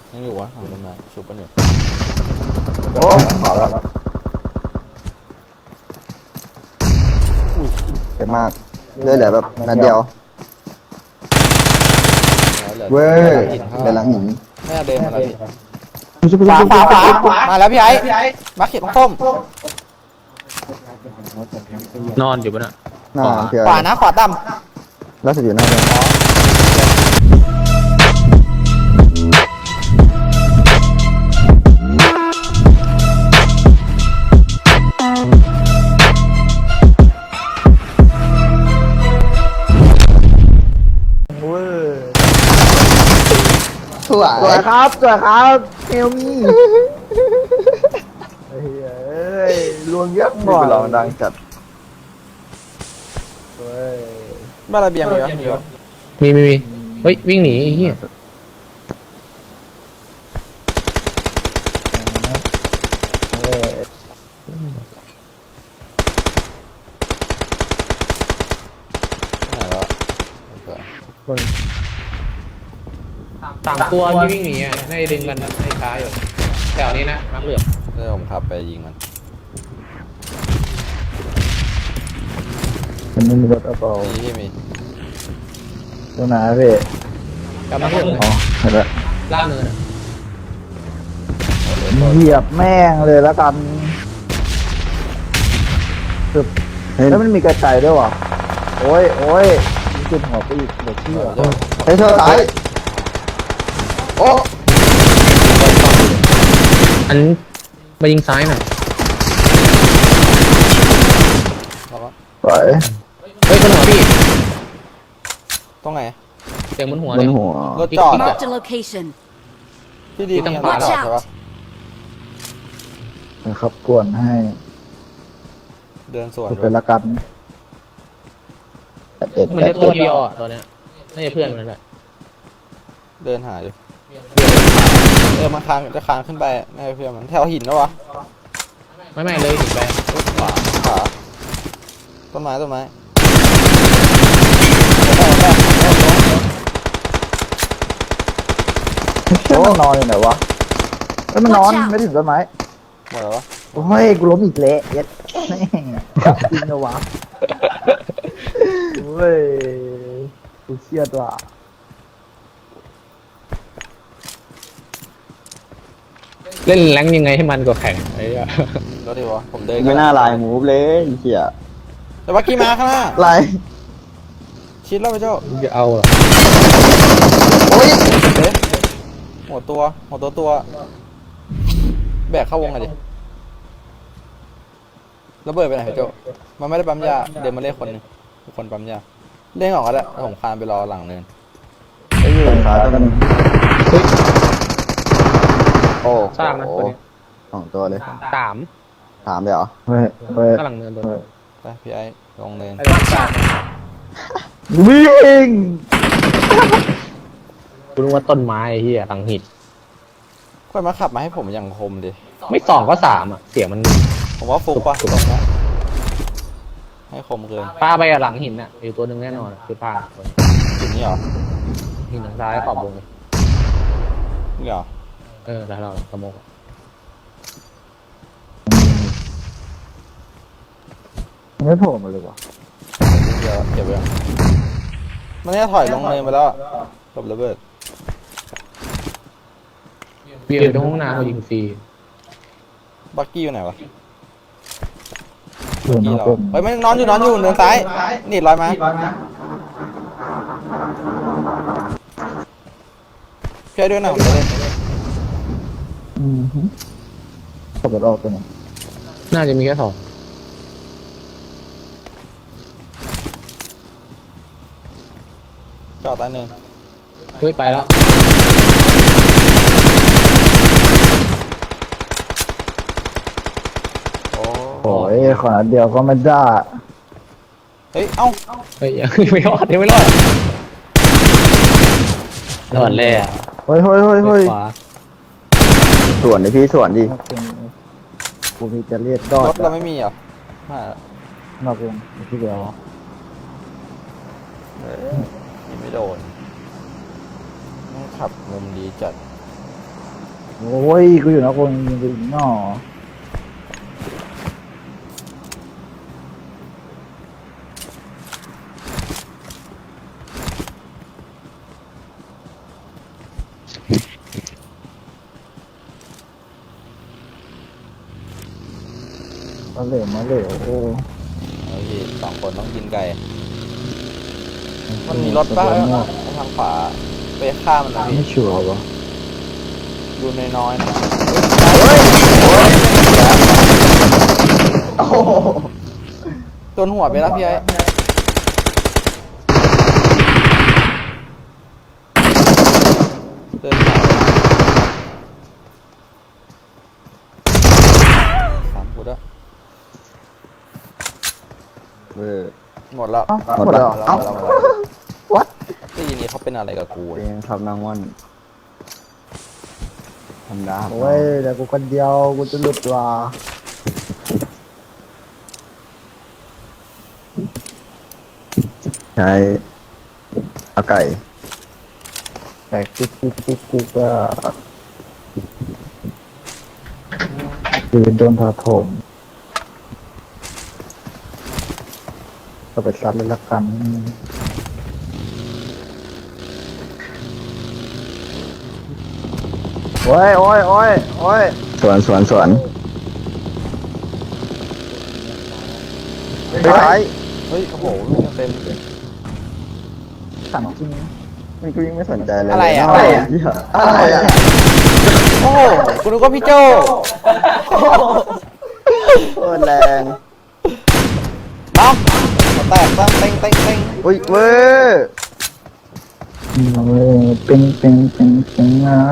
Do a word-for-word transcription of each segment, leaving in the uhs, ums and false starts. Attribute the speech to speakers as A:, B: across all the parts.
A: ยังอยู่วะทำต้นไม้ชุบกันอยู่
B: โอ้ขอแล้วเจ็บมากเลือดเหลือแบบนัดเดียวเว้ยเดินหลังหิน
A: แม่เดินมาแล้วพี่
C: ขวาขวาขวา
A: มาแล้วพี่ไอ้มาเขียนส้ม
D: นอนอยู่บนน่ะ
B: หน้าเพื่อ
A: ขวานะขวาต่
B: แล้วสุดอยู่หน้าเลย สวย
C: สวยครับสวยครับเอลมี่เฮ้ยลวงเยอะ
B: มี
C: บ่อย
B: ไปลองดังจัด
C: เฮ้ย
A: ำบ้านระเบียงมีวะมีวะ
D: มีมีมีเฮ้ยวิ่งหนีไอ้เหี้ย
C: เฮ้ย
A: ไหนวะ
C: คน
D: สามตัวที่วิ่งหนีอ่ะน่าจะดึงกันให้ช้าอยู่แถวนี้นะมักเหลือบ
A: เดี๋ยวผมขับไปยิงมัน
C: มันไม่มีรถเอาเปล่า
A: นี่ที่มี
C: ตัวไหนพี่
D: กับมักเหลือบ
C: อ๋อเห็นแล้ว
D: ล่างเนินอะ
C: เหยียบแม่งเลยแล้วกันคือ
B: เฮ้ย
C: แล้วมันมีกระจายด้วยวะโอ้ยโอ้ยมีจุดหัวไปอีกเดี๋ยวเชื่อ
A: เดี๋ยว
B: เฮ้ยเธอตายโอ้
D: อันมายิงซ้ายหน่อย
A: แล้วก็
C: สวย
D: เฮ้ยบนหัวพี่
A: ตรงไหน
D: เสียงบนหัว
B: บ
D: เล
B: น
D: ย
B: หัว
A: รถจอดอะ
E: Marked a location.
A: พี่ดี
D: ที่
A: มี
D: ตั้
A: อั
D: ง
A: น
D: ขวา
A: ตรายใช่ปะ
C: นะครับกวนให้
A: เดินสวน
C: ดู
A: ด้
C: เป็
A: วย
C: นละกันแปดเอ็ด
D: มัน
C: แป
D: จะ
C: ด
D: ตัว
C: เอ็ด
D: เดียวอ่ะตัวเนี้ยน่าจะเพื่อนมันแหละ
A: เดินหาอยู่เออมันคานจะคานขึ้นไปแม่เพื่อนมันแถวหินแล้ววะ
D: ไม่ไม่เลยถึงไป
A: ขวาขวาต้นไม้ต้นไม้
C: เชื่อมันนอนอยู่ไหนวะเอ้ยมันนอนไม่ถึงต้นไม้
A: หมดแล้ววะ
C: โอ้ยกูล้มอีกเละเย็ดแม่งจริงนะวะโอ้ยกูเครียดว่ะ
D: เล่นแรงยังไงให้มันก็แข่งไอ้เหี้ย
A: รถดีวะผมเดิน
B: ไม่น่าลายมูฟเลยไอ้เหี้ย
A: แต่ว่ากี่มาข้างหน้า
B: ลาย
A: ชิดแล้วไปเจ้า
D: มึงจะเอาเหรอ
B: โอ้ย
A: เอ๊ะหัวตัวหัวตัวตัวแบกเข้าวงไงดิระเบิดไปไหนพี่โจมันไม่ได้ปั๊มยาเดินมาเล่นคนหนึงคนปั๊มยาเล่นออกก็ได้ผมคานไปรอหลังเนิน
B: ไอ้ยืนขาตัวนึงโอ้
D: สร้างนะ
B: โห
D: ตัวนี้
B: สองตัวเลย
D: สาม
B: ถามเลยเหรอ
C: เฮ้ยเฮ้ย
D: ข้างหลังเนินตัวนึง
A: ไปพี่ไอ้ลงเนิน
D: ไอ้ตัวสาม
C: วิ่ง
D: กูรู้ว่าต้นไม้ไอ้เหี้ยหลังหิน
A: ค่อยมาขับมาให้ผมอย่างคมดิ
D: ไม่สองก็สามอ่ะเสียงมัน
A: ผมว่าฟุกปะตรงเนี้ยให้คมเกิน
D: ป้าไปอะหลังหินอ่ะอยู่ตัวหนึ่งแน่นอนอะคือป้าตัวนี้
A: จุดนี้เหรอ
D: หินทางซ้ายขอบวงเลย
A: นี่เหรอ
D: เออแล้วเราสโมกอะ
C: ไม่โผล่มาเลยวะ
A: เดี๋ยวเก็บไว้มันเนี่ยถอยลงเนินไปแล้วอะหลบระเบิด
D: เบียร์อยู่ตรงห้องน้ำเรายิงฟรี
A: บักกี้อยู่ไหนวะ
C: อยู่
A: กี้
C: นอก
A: เรา
C: กลม
A: เฮ้ยมันนอนอยู่นอนอยู่เนินซ้ายนี่ลอยมาพี่ไอ้ด้วยนะผมจะเล่น
C: อืมฮึขับรถออกตัวนี้
D: น่าจะมีแค่สอง
A: จอดใต้เนิน
D: เฮ้ยไปแล้ว
A: โอ้
C: โอ้ยขนาดเดียวก็ไม่ได้
A: เฮ้ยเอ้า
D: เฮ้ยยังไม่รอดยังไม่รอดรอดแล้ว
C: เฮ้ยเฮ้ยเฮ้ยเฮ้ย
D: ขวา
B: ส่วนดิพี่ส่วนดิ
C: กูมีจะเรียกดอ
A: ร
C: ด
A: ถเราไม่มีเหรอไม่ละ
C: นอกวงที่เดียว
A: เอ้ยยิงไม่โดนต้องขับมุมดีจัด
C: โอ้ยกูอยู่นะคนยิงกูอีกหน่อมาเหลวมาเหลวโอ้
A: เอาพี่สองคนต้องกินไก่ มันมีรถป่ะทางขวาไปฆ่ามันนะพี่
C: ไม่ชัวร์วะ
A: ดูน้อยๆนะ
B: โอ้โห
A: โดนหัวไปแล้วพี่ไอ้เดินหาสามกูด้วย
B: เออ
A: หมดแล้ว
B: หมดแล้ว
A: หมด
B: เอ้า
A: แล้วหมดแล้ว
B: what
A: ที่ยินนี้เขาเป็นอะไรกับกู
B: เอ
A: เนี่ย
B: งครับนางวันธรรมดาครับ
C: โอ้ยแต่กูคนเดียวกูจะหลุดว่ะ
B: ใช้เอาไก่
C: แต่กูกูกูกูก็คือโดนถาโถมก็ไปซัดเลยละกันโอ้ยโอ้ยโอ้ยโอ้ย
B: สวนสวนสวนไปไหน
A: เฮ้ยโอ้โหลูกเต็ม
C: สั่งจริง
B: มันก็ยังไม่สนใจเลย
A: อะไรอะ
B: อะไรอะอะไรอะ
A: โอ้โหกูนึกว่าพี่โจ
B: โคตรแรง
A: น็อกหัวแตกตั้งเต็งเต็งเต็ง
B: อุ้ยเว้ย
C: อืมเว้ยเป็นเป็นเป็นเป็นอ่ะ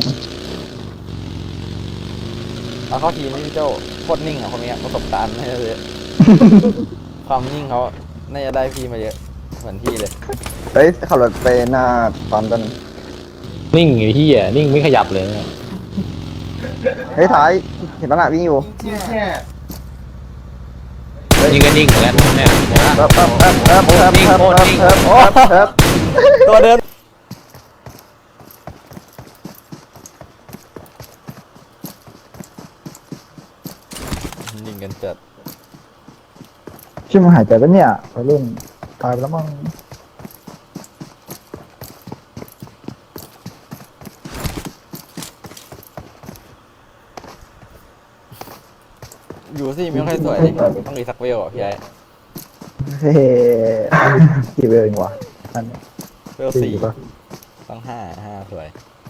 A: เอาเข้าทีมพี่โจโคตรนิ่งอ่ะคนนี้ประสบการณ์ไม่ได้เลย ความนิ่งเขาน่าจะได้พี่มาเยอะเหมือนพี่เลย
B: เฮ้ยขับรถไปหน้าปั๊มกัน
D: นิ่งอยู่ที่อ่ะนิ่งไม่ขยับเลย
B: เฮ้ยท้ายเห็นปะน่ะวิ่งอยู่
D: นิ่งก็นิ่งเหมือนกันเนี่ยนะ
B: เอิบเอิบเอิบเอิบเอิบ
D: นิ่ง
B: เอิบ
D: โคตรนิ่ง
B: เอิบเอิบเอิบ
A: ตัวเดินนิ่งกันจัด
C: ชื่อมันหายใจปะเนี่ยไปเล่นตายไปแล้วมั้ง
A: อยู่สิไม่ค่อยสวยดิต้องมีสักเวลอ่ะพี่ไอ้
C: เฮ้กี่เวลเองวะนั่นเนี่ย
A: เวลสี่
C: ปะ
A: ต้องห้าห้าสวย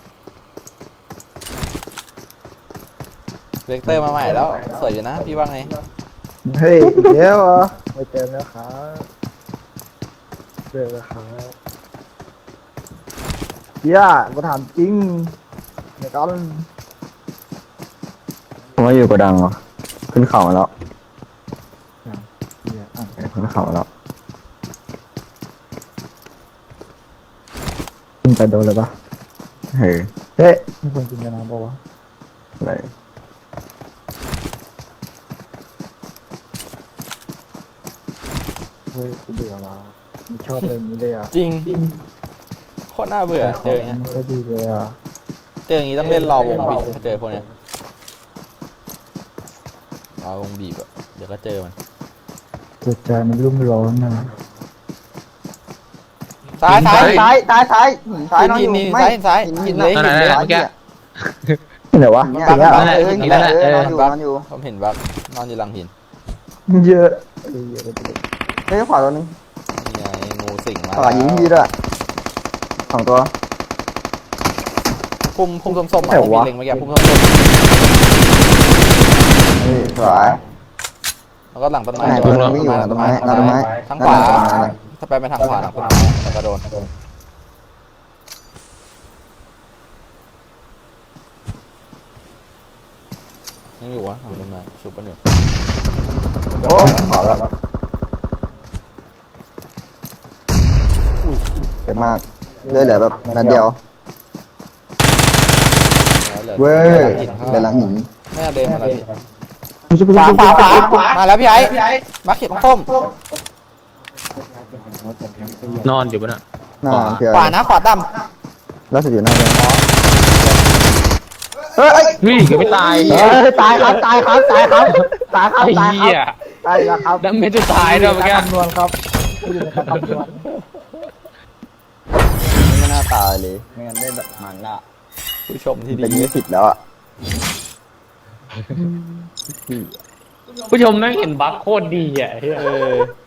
A: เวกเตอร์มาใหม่แล้วสวยอยู่นะพี่ว่าไง
C: เฮ้ยอีกแล้วเหรอไม่เจอแล้วครับเจอแล้วครับเฮียกูถามจริงในตอน
B: ผมว่าอยู่กระดังเหรอขึ้นเขามาแล้ว
C: เฮียอ่ะ
B: ขึ้นเขามาแล้ว
C: กินไปโดนเลยปะ
B: เฮ้ย
C: เฮ้ยมีคนกินกันนะบอกว่าวะ
B: อะไร
C: เฮ้ยกูเบื่อละไม่ชอบเลยางนี้เลยอ่ะ
A: จริงโคตรน่าเบื่อเจออย่างเงี้ย
C: ไม่ค่อยดีเลยอ่ะ
A: เจออย่างงี้ต้องเล่นรอวงบีบถ้าเจอพวกเนี้ยรอวงบีบอะเดี๋ยวก็เจอมัน
C: จิตใจมันรุ่มร้อนนะ
A: ซ้ายซ้าย
B: ซ้ายซ้ายซ้ายซ้ายนอนอ
A: หิน
B: ยู่
A: หิน
B: ไม่
A: ซ้ายหินซ้ายหินเลย
D: นั่นแหละนั่นแหละเมื่อกี้
C: ที่ไหนวะ
B: เนี่ย
C: อย่างเงี้ยเหรอ
B: เออ
D: นั่
B: หิ
D: น
B: น
D: แหละ
B: เออ
D: นั่นแหละ
B: นอนอยู่นอนอยู่
A: ผมเห็นบักนอนอยู่หลังหิน
C: เยอะเออเยอะไปเลย
B: เฮ้ยขวาตัวนึง
A: นี่ไงงูสิงมา
B: ขวายิงพี่ด้วยสองตัว
A: พุ่มพุ่มส้มๆอ่ะที่มีเล็งเมื่อกี้พุ่มส้ม
B: เฮ้ยขวา
A: ๆแล้วก็หลังต้นไม้
B: ไหน
A: ตั
B: ตัว วนึงวิ่งอยู่หลังต้นไม้หลังต้นไม้
A: ทางขวาถ้าไปไปทางขวาหลังต้นไม้แล้วก็โดนยังอยู่วะหลังต้นไม้ชุบกันอยู่
B: โอ้ขวาแล้วเจ็บมากเลือดเหลือแบบนัดเดียว
A: แล้วหลือ
B: เว้ย
A: หินข้าง
B: เดินหลังหิน
A: ไม่เอาเดินมาแล้วพี่
C: ขวา
A: ขวาขวาขวามาแล้วพี่ไอ้มาเขียนส้ม
D: นอนอยู่บนน่ะ
B: หน้าเพื่อ
A: ขวานะขวาด
B: ล่าสุดอยู่หน้าเลย
A: ำ
C: เฮ้ย
D: เฮ้ยยังไม่ตาย
C: เฮ้ยตายครับตายครับตายครับตายครับ
D: ไอ้
C: ตายค
D: เหี้ย
C: รับตายแล้วครับ
D: ดัมเมจจะตายด้วยเมื่อกี้
C: คำนวณครับอยู่ในการคำนวณ
B: ไม่น่าตายเลยไม่งั้นได้แบบมันละ
A: ผู้ชมที่
B: เป็น
A: ดี
B: ยี่สิบแล้วอ่ะ
D: ผู้ชมนั่งเห็นบัคโคตรดีอ่ะเฮ้ย
A: เออ